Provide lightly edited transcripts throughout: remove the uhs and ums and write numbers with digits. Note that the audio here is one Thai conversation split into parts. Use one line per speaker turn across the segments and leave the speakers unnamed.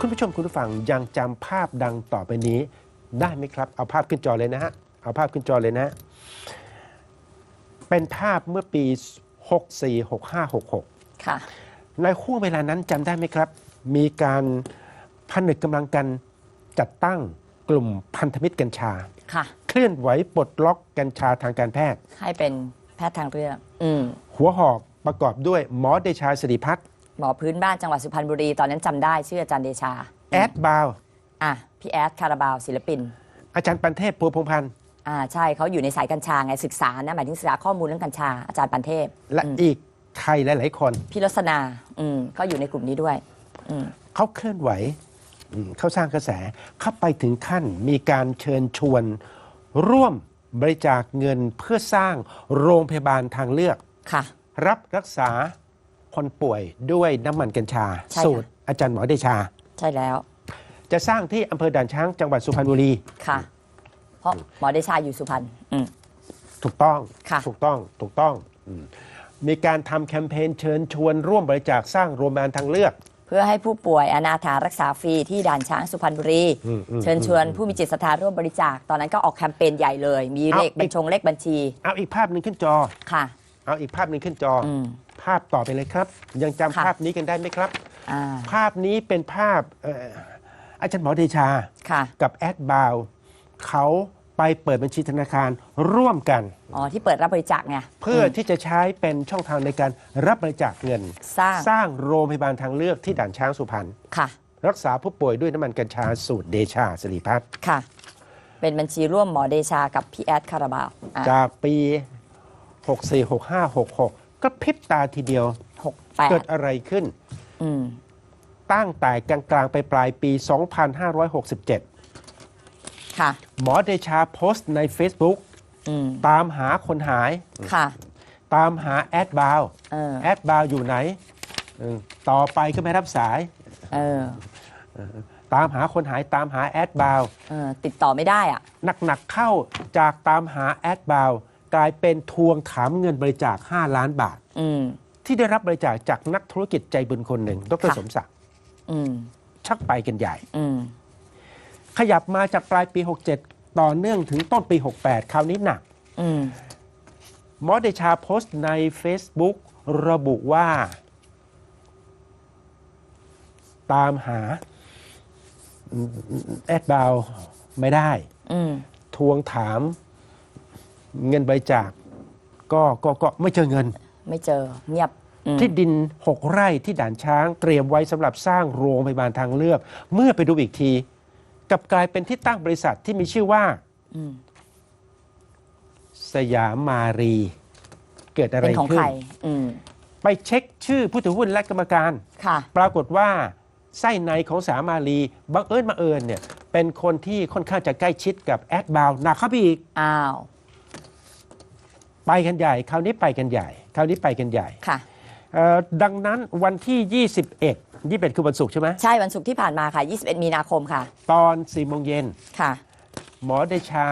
คุณผู้ชมคุณผู้ฟังยังจำภาพดังต่อไปนี้ได้ไหมครับเอาภาพขึ้นจอเลยนะฮะเอาภาพขึ้นจอเลยนะเป็นภาพเมื่อปี64 65 66
ค่ะ
ในช่วงเวลานั้นจำได้ไหมครับมีการผนึกกำลังกันจัดตั้งกลุ่มพันธมิตรกัญชา
ค่ะ
เคลื่อนไหวปลดล็อกกัญชาทางการแพทย์
ให้เป็นแพทย์ทางเลือก
หัวหอกประกอบด้วยหมอเดชาสิริพัฒน์
หมอพื้นบ้านจังหวัดสุพรรณบุรีตอนนั้นจำได้ชื่ออาจารย์เดชา
แอดบาว
พี่แอดคาราบาวศิลปิน
อาจารย์ปันเทพพัวพงษ์พันธ์
ใช่เขาอยู่ในสายกัญชาไงศึกษานะหมายถึงศึกษาข้อมูลเรื่องกัญชาอาจารย์ปันเทพ
และอีกใครหลายๆคน
พี่รสนาก็อยู่ในกลุ่มนี้ด้วย
เขาเคลื่อนไหวเขาสร้างกระแสเข้าไปถึงขั้นมีการเชิญชวนร่วมบริจาคเงินเพื่อสร้างโรงพยาบาลทางเลือกรับรักษาคนป่วยด้วยน้ำมันกัญชาสูตรอาจารย์หมอเดชา
ใช่แล้ว
จะสร้างที่อำเภอด่านช้างจังหวัดสุพรรณบุรี
ค่ะเพราะหมอเดชาอยู่สุพรรณ
ถูกต้องมีการทำแคมเปญเชิญชวนร่วมบริจาคสร้างโรงพยาบาลทางเลือก
เพื่อให้ผู้ป่วยอนาถารักษาฟรีที่ด่านช้างสุพรรณบุรีเชิญชวนผู้มีจิตศรัทธาร่วมบริจาคตอนนั้นก็ออกแคมเปญใหญ่เลยมีเลขเลขบัญชี
เอาอีกภาพหนึ่งขึ้นจอ
ค่ะ
เอาอีกภาพหนึ่งขึ้นจอภาพต่อไปเลยครับยังจำภาพนี้กันได้ไหมครับภาพนี้เป็นภาพอาจารย์หมอเดชากับแอดบาวเขาไปเปิดบัญชีธนาคารร่วมกัน
ที่เปิดรับบริจาคไง
เพื่อที่จะใช้เป็นช่องทางในการรับบริจาคเงินสร้างโรงพยาบาลทางเลือกที่ด่านช้างสุพรรณรักษาผู้ป่วยด้วยน้ำมันกัญชาสูตรเดชาสิริพัฒน์
ค่ะเป็นบัญชีร่วมหมอเดชากับพี่แอดคาราบาว
จากปี64 65 66ก็พริบตาทีเดียวเกิดอะไรขึ้นตั้งแต่กลางๆไปปลายปี 2567หมอเดชาโพสต์ใน Facebook ตามหาคนหายตามหาแอดบาวแอดบาวอยู่ไหนต่อไปก็ไม่รับสายตามหาคนหายตามหาแอดบาว
ติดต่อไม่ได้อ่ะ
หนักๆเข้าจากตามหาแอดบาวกลายเป็นทวงถามเงินบริจาค5 ล้านบาทที่ได้รับบริจาคจากนักธุรกิจใจบุญคนหนึ่งดร.สมศักดิ์ชักไปกันใหญ่ขยับมาจากปลายปี67ต่อเนื่องถึงต้นปี68คราวนี้หนักหมอเดชาโพสต์ใน Facebook ระบุว่าตามหาแอดบาวไม่ได้ทวงถามเงินบริจาคก็ไม่เจอเงิน
ไม่เจอเงียบ
ที่ดิน6 ไร่ที่ด่านช้างเตรียมไว้สำหรับสร้างโรงพยาบาลทางเลือกเมื่อไปดูอีกทีกลับกลายเป็นที่ตั้งบริษัทที่มีชื่อว่าสยามมารีเกิดอะไรขึ้นไปเช็คชื่อผู้ถือหุ้นและกรรมการปรากฏว่าไส้ในของสยามมารีบังเอิญเนี่ยเป็นคนที่ค่อนข้างจะใกล้ชิดกับแอดบาวหนักเข้าไปอีกไปกันใหญ่คราวนี้ไปกันใหญ่ดังนั้นวันที่21คือวันศุกร์ใช่ไหม
ใช่วันศุกร์ที่ผ่านมาค่ะ21 มีนาคมค่ะ
ตอน 4 โมงเย็นหมอเดชา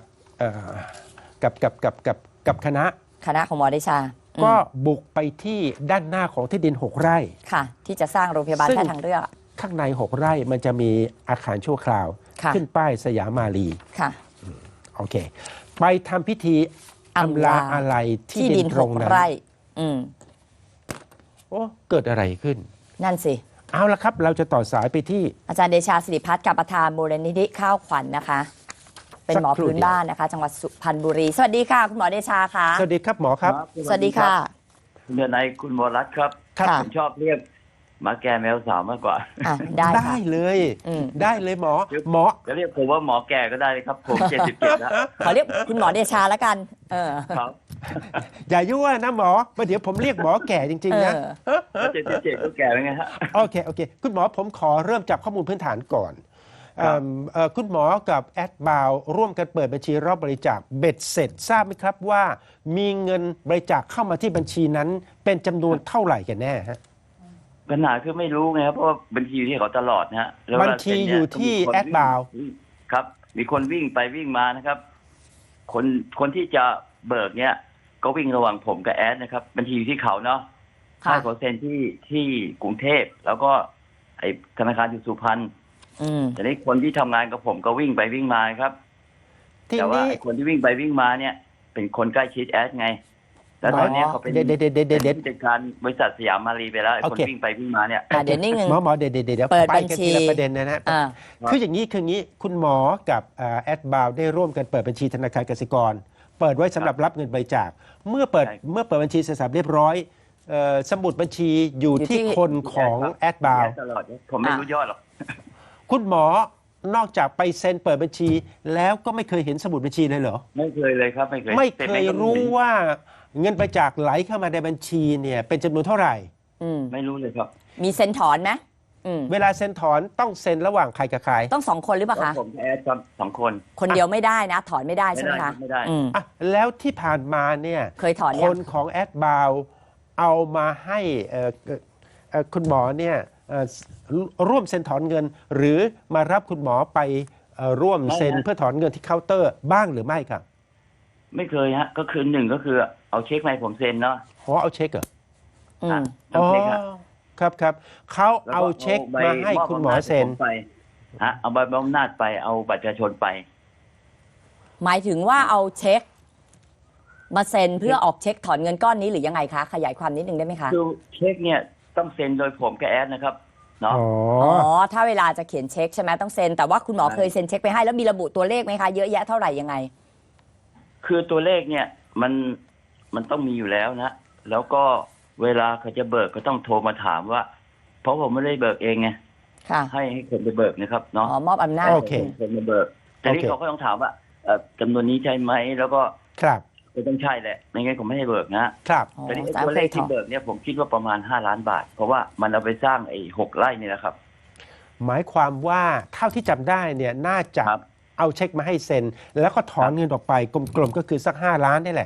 กับคณะ
ของหมอเดชา
ก็บุกไปที่ด้านหน้าของที่ดิน6 ไร่
ค่ะที่จะสร้างโรงพยาบาลแพทย์ทางเลือก
ข้างใน6 ไร่มันจะมีอาคารชั่วคราวขึ้นป้ายสยามมารีโอเคไปทำพิธีอำลาอะไรที่ดินตรงนั้นโอ้เกิดอะไรขึ้น
นั่นสิ
เอาละครับเราจะต่อสายไปที่
อาจารย์เดชาสิริพัฒน์กับประธานมูลนิธิข้าวขวัญนะคะเป็นหมอพื้นบ้านนะคะจังหวัดสุพรรณบุรีสวัสดีค่ะคุณหมอเดชาค่ะ
สวัสดีครับหมอครับ
สวัสดีค่ะ
คุณนายคุณวรัตน์ครับผมชอบเรียกหมาแก่แมวสาวมากกว่า
ได้เลยหมอ
จะเรียกผมว่าหมอแก่ก็ได้เลยครับผม77แล้ว
ขอเรียกคุณหมอเดชาแล้วกัน
ครับ
อย่ายั่วนะหมอมาเดี๋ยวผมเรียกหมอแก่จริงๆนะ
77ก็แก่แล้วไงฮะ
โอเคคุณหมอผมขอเริ่มจากข้อมูลพื้นฐานก่อนคุณหมอกับแอดบาวร่วมกันเปิดบัญชีรับบริจาคเบ็ดเสร็จทราบไหมครับว่ามีเงินบริจาคเข้ามาที่บัญชีนั้นเป็นจำนวนเท่าไหร่กันแน่ฮะ
ปัญหาคือไม่รู้ไงครับเพราะว่าบัญชีอยู่ที่เขาตลอดนะฮะ
บัญชีอยู่ที่แอดบาว
ครับมีคนวิ่งไปวิ่งมานะครับคนที่จะเบิกเนี้ยก็วิ่งระหว่างผมกับแอดนะครับบัญชีอยู่ที่เขาเนาะให้เขาเซ็นที่กรุงเทพแล้วก็ไอ้ธนาคารอยู่สุพรรณ แต่นี้คนที่ทำงานกับผมก็วิ่งไปวิ่งมาครับแต่ว่าไอ้คนที่วิ่งไปวิ่งมาเนี่ย เป็นคนใกล้ชิดแอดไงแล้วตอนนี้เขาเป็นผู้จัดการบริษัทสยามมารีไปแล้วไอ้คนวิ่งไปวิ่งมาเนี่ย
เดี๋ยวนิ่ง
หมอเดี๋ยว
เปิด
ไป
บัญ
กัน
ชี
ทีละประเด็นนะคืออย่างนี้คุณหมอกับแอดบาวได้ร่วมกันเปิดบัญชีธนาคารกสิกรเปิดไว้สำหรับรับเงินบริจาคเมื่อเปิดบัญชีเสร็จสับเรียบร้อยสมุดบัญชีอยู่ที่คนของแอดบาว
ตลอดผมไม่รู้ยอดหรอก
คุณหมอนอกจากไปเซ็นเปิดบัญชีแล้วก็ไม่เคยเห็นสมุดบัญชีเลยเหรอ
ไม่เคยเลยครับไม่เคย
รู้ว่าเงินบริจาคไหลเข้ามาในบัญชีเนี่ยเป็นจำนวนเท่าไหร่
ไม่รู้เลยครับ
มีเซ็นถอนไหม
เวลาเซ็นถอนต้องเซ็นระหว่างใครกับใคร
ต้อง2 คนหรือเปล่าคะ
ผมแอดครับ2 คน
คนเดียวไม่ได้นะถอนไม่ได้ใช่ไหมคะ
ไม่ได้
แล้วที่ผ่านมาเนี่ย
เคยถอน
คนของแอดบาวเอามาให้คุณหมอเนี่ยร่วมเซ็นถอนเงินหรือมารับคุณหมอไปร่วมเซ็นเพื่อถอนเงินที่เคาน์เตอร์บ้างหรือไม่ครับ
ไม่เคยฮะก็คือ1ก็คือเอาเช็คมาให้ผมเซ็นเนาะ
เอาเช็คเหรอ
เอาเช็ค
ครับเขาเอาเช็คมาให้คุณหมอเซ็น
ไปเอาใบบำนาจไปเอาบัตรประชาชนไป
หมายถึงว่าเอาเช็คมาเซ็นเพื่อออกเช็คถอนเงินก้อนนี้หรือยังไงคะขยายความนิดนึงได้ไหมคะ
คือเช็คเนี่ยต้องเซ็นโดยผมกับแอดนะครับเนาะ
ถ้าเวลาจะเขียนเช็คใช่ไหมต้องเซ็นแต่ว่าคุณหมอเคยเซ็นเช็คไปให้แล้วมีระบุตัวเลขไหมคะเยอะแยะเท่าไหร่ยังไง
คือตัวเลขเนี่ยมันต้องมีอยู่แล้วนะแล้วก็เวลาเขาจะเบิกก็ต้องโทรมาถามว่าเพราะผมไม่ได้เบิกเองไงให้คนไปเบิกนะครับเนาะ
มอบอำนาจ
คนมาเบิกแต่นี่เขาก็ต้องถามว่าจำนวนนี้ใช่ไหมแล้วก็ก็ต้องใช่แหละไม่งั้นผมไม่ให้เบิกนะครับแต่นี่ตัวเลขที่เบิกเนี่ยผมคิดว่าประมาณ5 ล้านบาทเพราะว่ามันเอาไปสร้างไอ้6 ไร่นี่แหละครับ
หมายความว่าเท่าที่จำได้เนี่ยน่าจะเอาเช็คมาให้เซ็นแล้วก็ถอนเงินออกไปกลมๆก็คือสัก5 ล้านนี่แหละ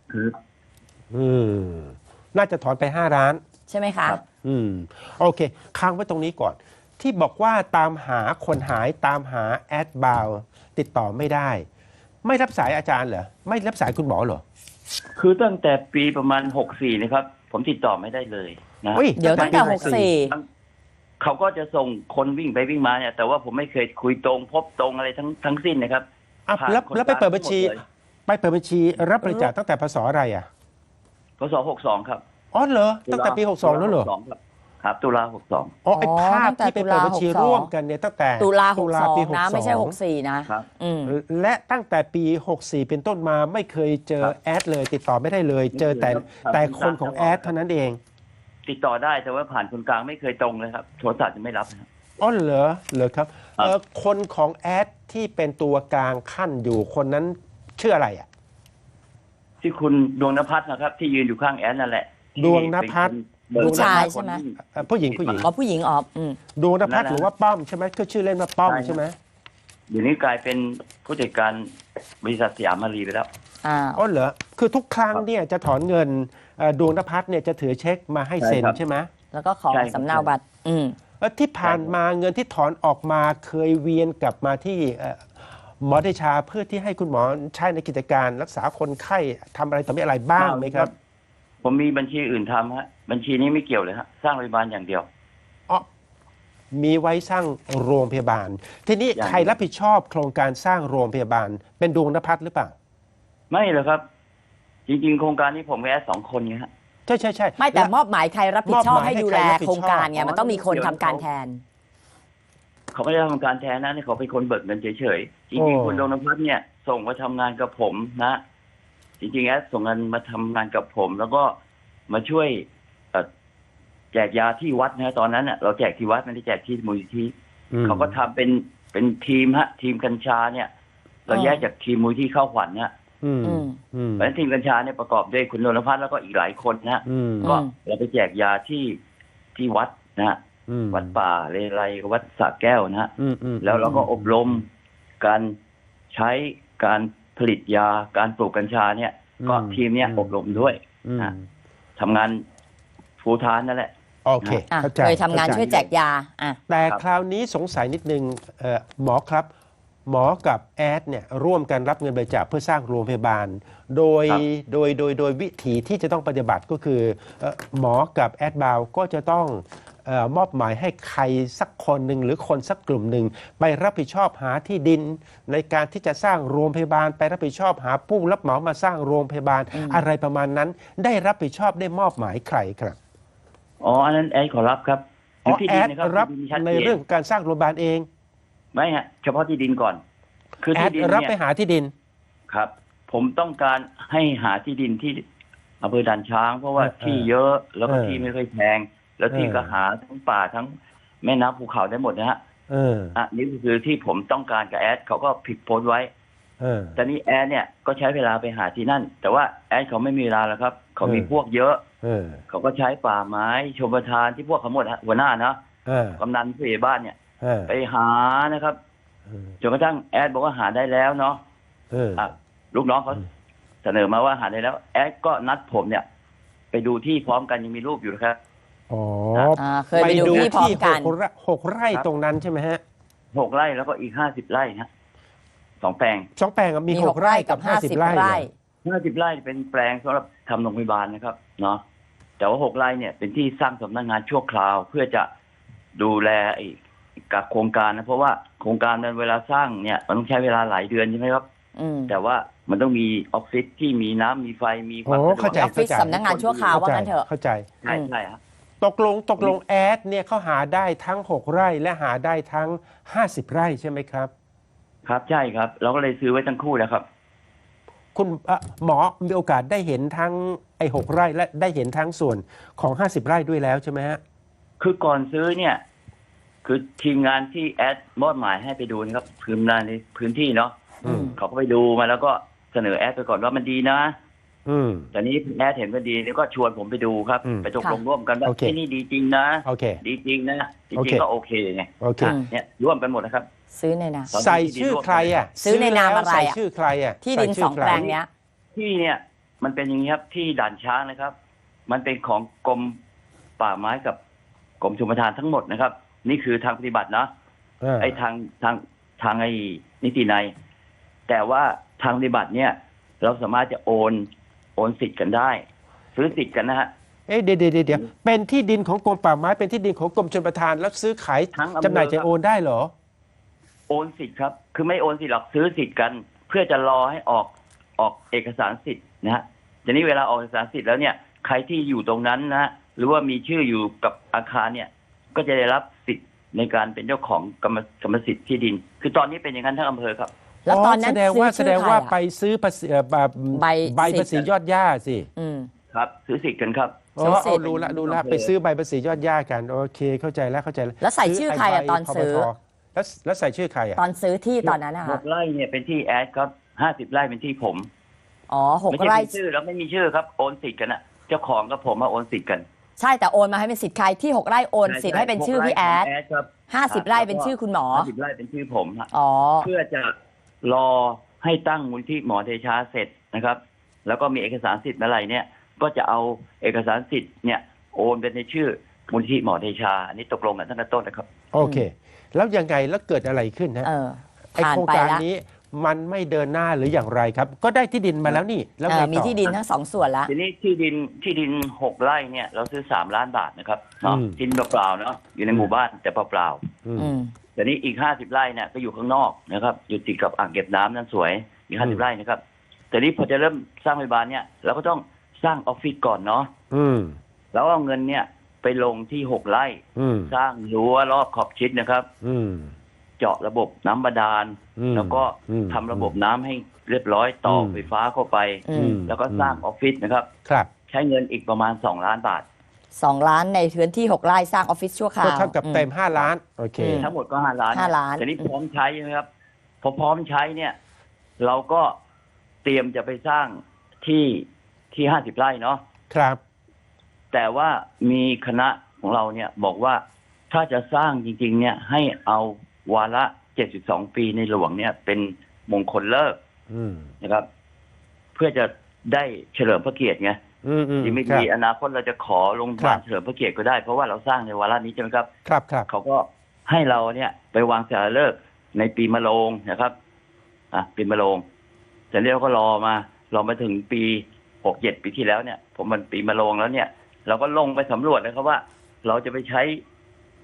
น่าจะถอนไป5 ล้าน
ใช่ไหมคะ
โอเคค้างไว้ตรงนี้ก่อนที่บอกว่าตามหาคนหายตามหาแอดบาวติดต่อไม่ได้ไม่รับสายอาจารย์เหรอไม่รับสายคุณหมอเหรอ
คือตั้งแต่ปีประมาณ64นะครับผมติดต่อไม่ได้เลยนะ
เดี๋ยวตั้งแต่64
เขาก็จะส่งคนวิ่งไปวิ่งมาเนี่ยแต่ว่าผมไม่เคยคุยตรงพบตรงอะไรทั้งสิ้นนะครับ
แล้วไปเปิดบัญชีรับบริจาคตั้งแต่พศอะไร
พศ62ครับ
เหรอตั้งแต่ปี62แล้วเหรอ
ครับตุลา62
ไอ้ภาพที่ไปเปิดบัญชีร่วมกันเนี่ยตั้งแต่
ตุลา62นะไม่ใช่64นะ
และตั้งแต่ปี64เป็นต้นมาไม่เคยเจอแอดเลยติดต่อไม่ได้เลยเจอแต่คนของแอดเท่านั้นเอง
ติดต่อได้แต่ว่าผ่านคนกลางไม่เคยตรงเลยครับโทรศัพท์จะไม่รับครับ
เหรอครับคนของแอดที่เป็นตัวกลางขั้นอยู่คนนั้นชื่ออะไร
ที่คุณดวงนภัสนะครับที่ยืนอยู่ข้างแอดนั่นแหละ
ดวงนภัส
ผู้ชายใช่ไหม
ผู้หญิง
ผู้หญิง
ดวงนภัสหรือว่าป้อมใช่ไหมก็ชื่อเล่นว่าป้อมใช่ไหม
เดี๋ยวนี้กลายเป็นผู้จัดการบริษัทสยามมารีไปแล้ว
เหรอคือทุกครั้งเนี่ยจะถอนเงินดวงนภัสเนี่ยจะถือเช็คมาให้เซ็นใช่ไหม
แล้วก็ขอสำเนาบัตร
ที่ผ่านมาเงินที่ถอนออกมาเคยเวียนกลับมาที่หมอเดชาเพื่อที่ให้คุณหมอใช้ในกิจการรักษาคนไข้ทำอะไรต่อมีอะไรบ้างไหมครับ
ผมมีบัญชีอื่นทำฮะบัญชีนี้ไม่เกี่ยวเลยฮะสร้างโรงพยาบาลอย่างเดียว
มีไว้สร้างโรงพยาบาลทีนี้ใครรับผิดชอบโครงการสร้างโรงพยาบาลเป็นดวงนภัสหรือเปล่า
ไม่หรอกครับจริงๆโครงการนี้ผมแค่2 คนไงฮะ
ใช่
ไม่แต่มอบหมายใครรับผิดชอบให้ดูแลโครงการไงมันต้องมีคนทำการแทน
เขาไม่ได้ทำการแทนนะนี่เขาเป็นคนเบิกเงินเฉยๆจริงๆคุณดวงนภัสเนี่ยส่งมาทำงานกับผมนะจริงๆแอดส่งเงินมาทำงานกับผมแล้วก็มาช่วยแจกยาที่วัดนะตอนนั้นเราแจกที่วัดไม่ได้แจกที่มูลนิธิเขาก็ทำเป็นทีมทีมกัญชาเนี่ยเราแยกจากทีมมูลที่เข้าขวัญเนี่ยเพราะฉะนั้นทีมกัญชาเนี่ยประกอบด้วยคุณนนทพัฒน์แล้วก็อีกหลายคนนะก็เราไปแจกยาที่วัดนะวัดป่าเลไลวัดสระแก้วนะแล้วเราก็อบรมการใช้การผลิตยาการปลูกกัญชาเนี่ยก็ทีมเนี้ยอบรมด้วยทำงานฟูลไทม์นั่นแหละ
โอเค
เคยทำงานช่วยแจกยา
แต่คราวนี้สงสัยนิดนึงหมอครับหมอกับแอดเนี่ยร่วมกันรับเงินบริจาคเพื่อสร้างโรงพยาบาลโดยวิธีที่จะต้องปฏิบัติก็คือหมอกับแอดบาวก็จะต้องมอบหมายให้ใครสักคนหนึ่งหรือคนสักกลุ่มหนึ่งไปรับผิดชอบหาที่ดิน ในการที่จะสร้างโรงพยาบาลไปรับผิดชอบหาผู้รับเหมามาสร้างโรงพยาบาลอะไรประมาณนั้น ได้รับผิดชอบได้มอบหมายใครครับ
อ๋ออันนั้นแอดขอรับครับ
อ๋อ
ที่
แอ
ดิ
ด
นะครั
รับ
ที่ดินชัด
ใน
จ
เรื่องการสร้างโรงพยาบาลเอง
ไม่ฮะเฉพาะที่ดินก่อน คือ
แอ
ที่
ด
ดิน
รับ
เนี่
ไป
ย
หาที่ดิน
ครับ ผมต้องการให้หาที่ดินที่อำเภอด่านช้าง เพราะว่าที่เยอะแล้วก็ที่ไม่ค่อยแพงแล้วที่ก็หาทั้งป่าทั้งแม่น้ำภูเขาได้หมดนะฮะนี่คือที่ผมต้องการกับแอดเขาก็ผิดโพสต์ไว้แต่นี่แอดเนี่ยก็ใช้เวลาไปหาที่นั่น แต่ว่าแอดเขาไม่มีเวลาแล้วครับเขามีพวกเยอะเขาก็ใช้ป่าไม้ชมประทานที่พวกเขาหมดฮะหัวหน้านะกำนันผู้ใหญ่บ้านเนี่ยไปหานะครับจนกระทั่งแอดบอกว่าหาได้แล้วเนาะลูกน้องเขาเสนอมาว่าหาได้แล้วแอดก็นัดผมเนี่ยไปดูที่พร้อมกันยังมีรูปอยู่นะครับ
อ๋อ
เคยไปดูที่พร้อมกัน
6 ไร่ตรงนั้นใช่ไหมฮะ
6 ไร่แล้วก็อีก50 ไร่ฮะ2 แปลง
2 แปลงมี 6 ไร่กับ50 ไร่
50 ไร่เป็นแปลงสำหรับทำโรงพยาบาลนะครับเนาะแต่ว่า6 ไร่เนี่ยเป็นที่สร้างสำนักงานชั่วคราวเพื่อจะดูแลกับโครงการนะเพราะว่าโครงการนั้นเวลาสร้างเนี่ยมันต้องใช้เวลาหลายเดือนใช่ไหมครับแต่ว่ามันต้องมีออฟฟิศที่มีน้ำมีไฟมีความสะดวก
เข้าใจ
ออฟฟิศสำนักงานชั่วคราวว่างั้นเถอะ
เข้าใจ
ใช่ใช่ครับ
ตกลงแอดเนี่ยเขาหาได้ทั้ง 6 ไร่และหาได้ทั้ง50 ไร่ใช่ไหมครับ
ครับใช่ครับเราก็เลยซื้อไว้ทั้งคู่แล้วครับ
คุณหมอมีโอกาสได้เห็นทั้ง6 ไร่และได้เห็นทั้งส่วนของ50 ไร่ด้วยแล้วใช่ไหมฮะ
คือก่อนซื้อเนี่ยคือทีมงานที่แอดมอบหมายให้ไปดูนะครับพื้นงานในพื้นที่เนาะเขาก็ไปดูมาแล้วก็เสนอแอดไปก่อนว่ามันดีนะแต่นี้แอดเห็นว่าดีแล้วก็ชวนผมไปดูครับไปตกลงร่วมกันว่าที่นี่ดีจริงนะดีจริงนะจริงๆก็โอเคไงเนี่ยร่วมกันหมดนะครับ
ซื้อในนาม
ใส่ชื่อใครอ่ะ
ซื้อในนามอะไร
ใส่ชื่อใครอ่ะ
ที่ดิน2 แปลงเนี้ย
ที่เนี่ยมันเป็นอย่างนี้ครับที่ด่านช้างนะครับ มันเป็นของกรมป่าไม้กับกรมชลประทานทั้งหมดนะครับนี่คือทางปฏิบัตินะไอ้ทางไอ้นิตินัยแต่ว่าทางปฏิบัติเนี่ยเราสามารถจะโอนสิทธิ์กันได้ซื้อสิทธิ์กันนะฮะ
เดี๋ยวเป็นที่ดินของกรมป่าไม้เป็นที่ดินของกรมชลประทานแล้วซื้อขายจำหน่ายจะโอนได้เหรอ
โอนสิทธิ์ครับคือไม่โอนสิทธิ์หรอกซื้อสิทธิ์กันเพื่อจะรอให้ออกเอกสารสิทธิ์นะฮะทีนี้เวลาออกเอกสารสิทธิ์แล้วเนี่ยใครที่อยู่ตรงนั้นนะหรือว่ามีชื่ออยู่กับอาคารเนี่ยก็จะได้รับสิทธิ์ในการเป็นเจ้าของกรรมสิทธิ์ที่ดินคือตอนนี้เป็นอย่างนั้นทั้งอำเภอครับ
แล้วตอนนั้น
แสดงว่าไปซื้อใบภาษียอดหญ้าสิ
ครับซื้อสิทธิ์กันครับ
เอาดูละไปซื้อใบภาษียอดหญ้ากันโอเคเข้าใจแล้ว
แล้วใส่ชื่อใครตอนซื้อ
แล้วใส่ชื่อใคร
ตอนซื้อที่ตอนนั้นนะคะ
6 ไร่เนี่ยเป็นที่แอดครับ50 ไร่เป็นที่ผม
6 ไร่
ชื่อแล้วไม่มีชื่อครับโอนสิทธิ์กันนะเจ้าของกับผมมาโอนสิทธิ์กัน
ใช่แต่โอนมาให้เป็นสิทธิ์ใครที่6 ไร่โอนสิทธิ์ให้เป็นชื่อพี่แอด50 ไร่เป็นชื่อคุณหมอ
50 ไร่เป็นชื่อผมเพื่อจะรอให้ตั้งมูลที่หมอเดชาเสร็จนะครับแล้วก็มีเอกสารสิทธิ์อะไรเนี่ยก็จะเอาเอกสารสิทธิ์เนี่ยโอนเป็นในชื่อมูลที่หมอเดชาอันนี้ตกลงกันตั้งแต่ต้นนะครับ
โอเคแล้วยังไงแล้วเกิดอะไรขึ้นฮะไอโครงการนี้มันไม่เดินหน้าหรืออย่างไรครับก็ได้ที่ดินมาแล้วนี่แล้ว
มีที่ดินทั้ง2 ส่วนแล้ว
ทีนี้ที่ดิน6 ไร่เนี่ยเราซื้อ3 ล้านบาทนะครับเนาะดินเปล่าๆเนาะอยู่ในหมู่บ้านแต่เปล่าๆแต่นี้อีก50 ไร่เนี่ยก็อยู่ข้างนอกนะครับอยู่ติดกับอ่างเก็บน้ำนั่นสวยอีก50 ไร่นะครับแต่นี้พอจะเริ่มสร้างโรงพยาบาลเนี่ยเราก็ต้องสร้างออฟฟิศก่อนเนาะแล้วเอาเงินเนี่ยไปลงที่6 ไร่สร้างรั้วรอบขอบชิดนะครับเจาะระบบน้ำบาดาลแล้วก็ทำระบบน้ำให้เรียบร้อยต่อไฟฟ้าเข้าไปแล้วก็สร้างออฟฟิศนะครับใช้เงินอีกประมาณ2 ล้านบาท
2 ล้านในพื้นที่6 ไร่สร้างออฟฟิศชั่วคราว
ก็เท่ากับเต็ม5 ล้านโอเค
ทั้งหมดก็5 ล้านแต่นี้พร้อมใช้ใช่ไหมครับพอพร้อมใช้เนี่ยเราก็เตรียมจะไปสร้างที่50 ไร่เนาะ
ครับ
แต่ว่ามีคณะของเราเนี่ยบอกว่าถ้าจะสร้างจริงๆเนี่ยให้เอาวาระ72 ปีในหลวงเนี่ยเป็นมงคลเลิกนะครับเพื่อจะได้เฉลิมพระเกียรติไงที่ไม่ดีอนาคตเราจะขอลงพานเฉลิมพระเกียรติก็ได้เพราะว่าเราสร้างในวาระนี้ใช่ไหมครับ
ครับ
เขาก็ให้เราเนี่ยไปวางศิลาฤกษ์ในปีมะโรงนะครับปีมะโรงเสร็จแล้วก็รอมาถึงปี67 ปีที่แล้วเนี่ยผมมันปีมะโรงแล้วเนี่ยเราก็ลงไปสำรวจนะครับว่าเราจะไปใช้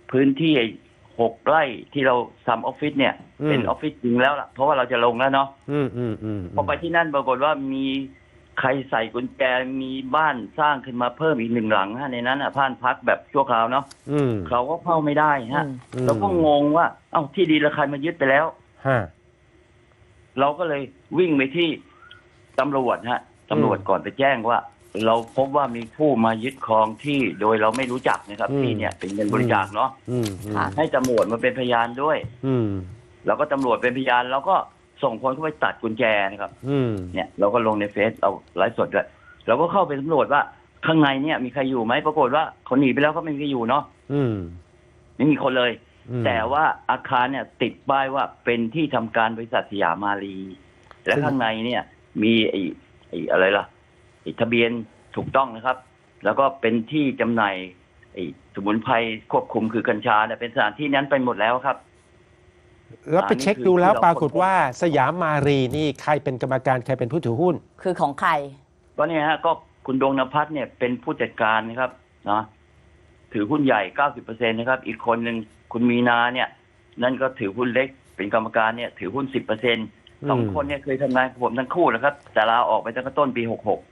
พื้นที่6 ไร่ที่เราทำออฟฟิศเนี่ยเป็นออฟฟิศจริงแล้วล่ะเพราะว่าเราจะลงแล้วเนาะพอไปที่นั่นปรากฏว่ามีใครใส่กุญแจมีบ้านสร้างขึ้นมาเพิ่มอีก1 หลังฮะในนั้นบ้านพักแบบชั่วคราวเนาะเราก็เข้าไม่ได้ฮะเราก็งงว่าเอ้าที่ดินราคามายึดไปแล้วเราก็เลยวิ่งไปที่ตำรวจฮะตำรวจก่อนไปแจ้งว่า เราพบว่ามีผู้มายึดครองที่โดยเราไม่รู้จักนะครับที่เนี่ยเป็นเงินบริจาคเนาะให้ตำรวจมาเป็นพยานด้วยแล้วก็ตำรวจเป็นพยานเราก็ส่งคนเข้าไปตัดกุญแจนะครับเนี่ยเราก็ลงในเฟซเอาไลฟ์สดด้วยเราก็เข้าไปสำรวจว่าข้างในเนี่ยมีใครอยู่ไหมปรากฏว่าเขาหนีไปแล้วก็ไม่มีใครอยู่เนาะไม่มีคนเลย แต่ว่าอาคารเนี่ยติดป้ายว่าเป็นที่ทำการบริษัทสยามมารีและข้างในเนี่ยมีไอ้อะไรล่ะทะเบียนถูกต้องนะครับแล้วก็เป็นที่จำหน่ายสมุนไพรควบคุมคือกัญชาเนี่ยเป็นสถานที่นั้นไปหมดแล้วครับ
แล้วไปเช็คดูแล้วปรากฏว่าสยามมารีนี่ใครเป็นกรรมการใครเป็นผู้ถือหุ้น
คือของใคร
ก็เนี่ยฮะก็คุณดวงนภัสเนี่ยเป็นผู้จัดการนะครับนะถือหุ้นใหญ่ 90% นะครับอีกคนหนึ่งคุณมีนาเนี่ยนั่นก็ถือหุ้นเล็กเป็นกรรมการเนี่ยถือหุ้น 10%2 คนเนี่ยเคยทำงานกับผมทั้งคู่นะครับแต่ลาออกไปตั้งแต่ต้นปี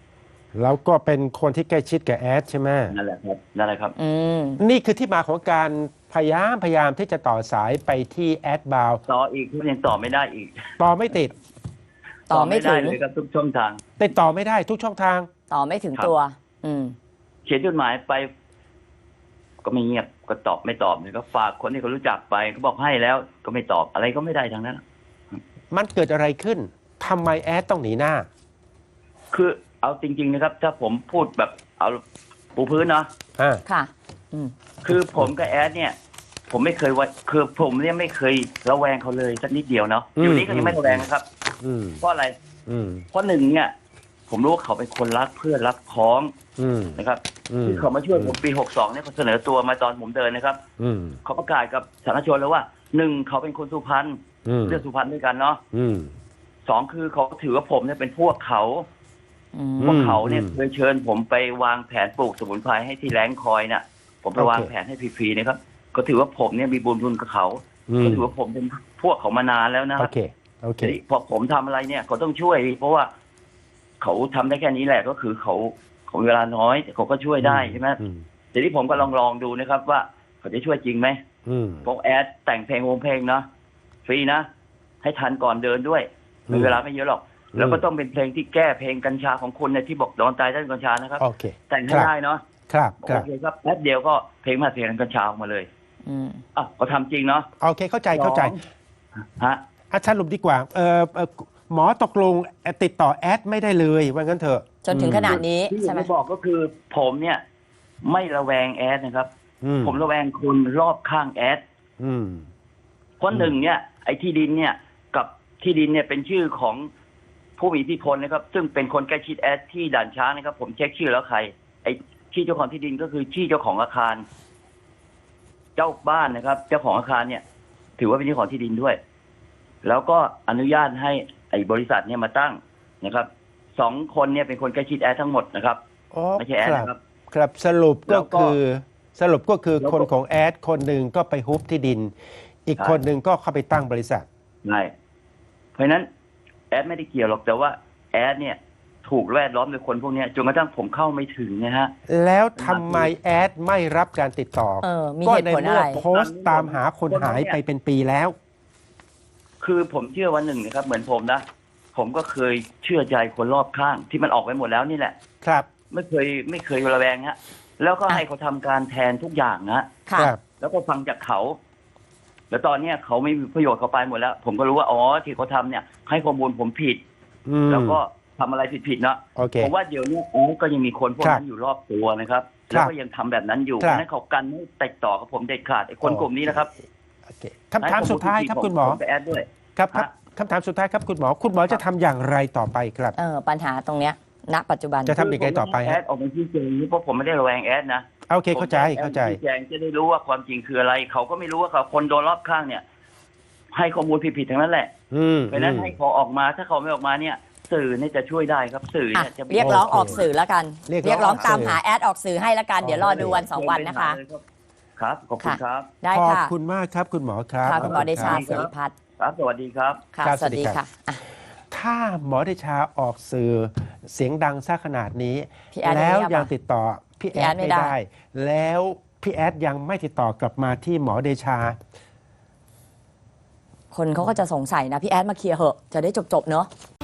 66
แล้วก็เป็นคนที่ใกล้ชิดกับแอดใช่ไหม
นั่นแหละครับนั่นแหละครับ
นี่คือที่มาของการพยายามที่จะต่อสายไปที่แอดบาว
ต่ออีกที่ยังต่อไม่ได้อีก
ต่อไม่ติด
ต่อไม่ถึง
เลยครับทุกช่องทาง
ติดต่อไม่ได้ทุกช่องทาง
ต่อไม่ถึงตัว
เขียนจดหมายไปก็ไม่เงียบก็ตอบไม่ตอบเลยก็ฝากคนที่เขารู้จักไปเขาบอกให้แล้วก็ไม่ตอบอะไรก็ไม่ได้ทั้งนั้น
มันเกิดอะไรขึ้นทำไมแอดต้องหนีหน้า
คือเอาจริงๆนะครับถ้าผมพูดแบบเอาปูพื้นเนาะ
ค่ะ
คือผมกับแอดเนี่ยผมไม่เคยว่าคือผมเนี่ยไม่เคยระแวงเขาเลยสักนิดเดียวเนาะอยู่นี้ก็ยังไม่ระแวงนะครับเพราะอะไรเพราะหนึ่งเนี่ยผมรู้ว่าเขาเป็นคนรักเพื่อนรักพ้องนะครับที่เขามาช่วยผมปี 62เนี่ยเขาเสนอตัวมาตอนผมเดินนะครับเขาประกาศกับสาธารณชนแล้วว่า1เขาเป็นคนสุพรรณเลือกสุพรรณด้วยกันเนาะ2คือเขาถือว่าผมเนี่ยเป็นพวกเขาเนี่ยเคยเชิญผมไปวางแผนปลูกสมุนไพรให้ที่แรงคอยเนี่ยผมไปวางแผนให้ฟรีๆนะครับก็ถือว่าผมเนี่ยมีบุญคุณกับเขาก็ถือว่าผมเป็นพวกเขามานานแล้วนะครับ
โอเค
พอผมทำอะไรเนี่ยเขาต้องช่วยเพราะว่าเขาทำได้แค่นี้แหละก็คือเขาเวลาน้อยแต่เขาก็ช่วยได้ใช่ไหมทีนี้ผมก็ลองดูนะครับว่าเขาจะช่วยจริงไหมพวกแอดแต่งเพลงวงเพลงนะฟรีนะให้ทันก่อนเดินด้วยมีเวลาไม่เยอะหรอกแล้วก็ต้องเป็นเพลงที่แก้เพลงกัญชาของคุณเนี่ยที่บอกโดนตายด้านกัญชานะครับแต่งให้ได้เนาะ
ครับ
โอเคครับแป๊บเดียวก็เพลงมาเพลงกัญชาออกมาเลยก็ทำจริงเนาะ
โอเคเข้าใจ
ฮะ
สรุปดีกว่าหมอตกลงติดต่อแอดไม่ได้เลยว่างั้นเถอะ
จนถึงขนาดนี้
ใช่ไหมที่ผมบอกก็คือผมเนี่ยไม่ระแวงแอดนะครับผมระแวงคนรอบข้างแอดเพราะหนึ่งเนี่ยไอ้ที่ดินเนี่ยกับที่ดินเนี่ยเป็นชื่อของผู้มีอิทธิพลนะครับซึ่งเป็นคนใกล้ชิดแอดที่ด่านช้างนะครับผมเช็คชื่อแล้วใครไอ้ที่เจ้าของที่ดินก็คือที่เจ้าของอาคารเจ้าบ้านนะครับเจ้าของอาคารเนี่ยถือว่าเป็นเจ้าของที่ดินด้วยแล้วก็อนุญาตให้ไอ้บริษัทเนี่ยมาตั้งนะครับ2 คนเนี่ยเป็นคนใกล้ชิดแอดทั้งหมดนะครับไม่ใช่แอดนะครับ
ครับสรุปก็คือคนของแอดคนหนึ่งก็ไปฮุบที่ดินอีกคนหนึ่งก็เข้าไปตั้งบริษัท
ใช่เพราะฉะนั้นแอดไม่ได้เกี่ยวหรอกแต่ว่าแอดเนี่ยถูกแวดล้อมโดยคนพวกนี้จนกระทั่งผมเข้าไม่ถึงนะฮะ
แล้วทำไมแอดไม่รับการติดต่อ
ก็ใน
เมื่อโพสต์ตามหาคนหายไปเป็นปีแล้ว
คือผมเชื่อวันหนึ่งนะครับเหมือนผมนะผมก็เคยเชื่อใจคนรอบข้างที่มันออกไปหมดแล้วนี่แหละ
ครับ
ไม่เคยระแวงฮะแล้วก็ให้เขาทำการแทนทุกอย่าง
นะครับ
แล้วก็ฟังจากเขาแล้วตอนนี้เขาไม่มีประโยชน์เขาไปหมดแล้วผมก็รู้ว่าอ๋อที่เขาทำเนี่ยให้ข้อมูลผมผิดแล้วก็ทำอะไรผิดๆเนาะผมว่าเดี๋ยวนี้ก็ยังมีคนพวกนั้นอยู่รอบตัวนะครับแล้วก็ยังทำแบบนั้นอยู่เพราะนั้นเขากันไม่ติดต่อกับผมเด็ดขาดไอ้คนกลุ่มนี้นะครับ
คำถามสุดท้ายครับคุณหมอครับคำถามสุดท้ายครับคุณหมอจะทำอย่างไรต่อไปครับ
ปัญหาตรงเนี้ยณปัจจุบัน
จะทำอย่างไรต่อไป
แอดออกมาชี้แจงนี้เพราะผมไม่ได้ระแวงแอดนะ
โอเคเข้าใจ
ชี้แจงจะได้รู้ว่าความจริงคืออะไรเขาก็ไม่รู้ว่าเขาคนโดนรอบข้างเนี่ยให้ข้อมูลผิดๆทั้งนั้นแหละเพราะนั้นให้เขาออกมาถ้าเขาไม่ออกมาเนี่ยสื่อเนี่ยจะช่วยได้ครับสื่อเนี่ยจะ
เรียกร้องออกสื่อแล้วกันเรียกร้องตามหาแอดออกสื่อให้แล้วกันเดี๋ยวรอดูวัน2 วันนะคะ
ครับขอบคุณครับ
ได้
ขอบ
ค่ะ
คุณมากครับคุณหมอครับ
ค่ะคุณหมอเดชา
ขบ
สิ
ณ
ริ
รับ
พัฒน์
ครับสวัสดีครับ
ค่ะ
ครับ
สวัสดี
สวัสดีครั
ค่ะ
บ
อ่ะ
ถ้าหมอเดชาออกสื่อเสียงดังซะขนาดนี้
พี่แอด
แล้ว
ยังไม่
ยัง
มา
ติดต่อพี่
พี่
แอ
แอ
ด
ดไม่
ไม่
ได้
ได้ แล้วพี่แอดยังไม่ติดต่อกลับมาที่หมอเดชา
คนเขาก็จะสงสัยนะ พี่แอดมาเคลียร์เหอะ จะได้จบๆเนอะ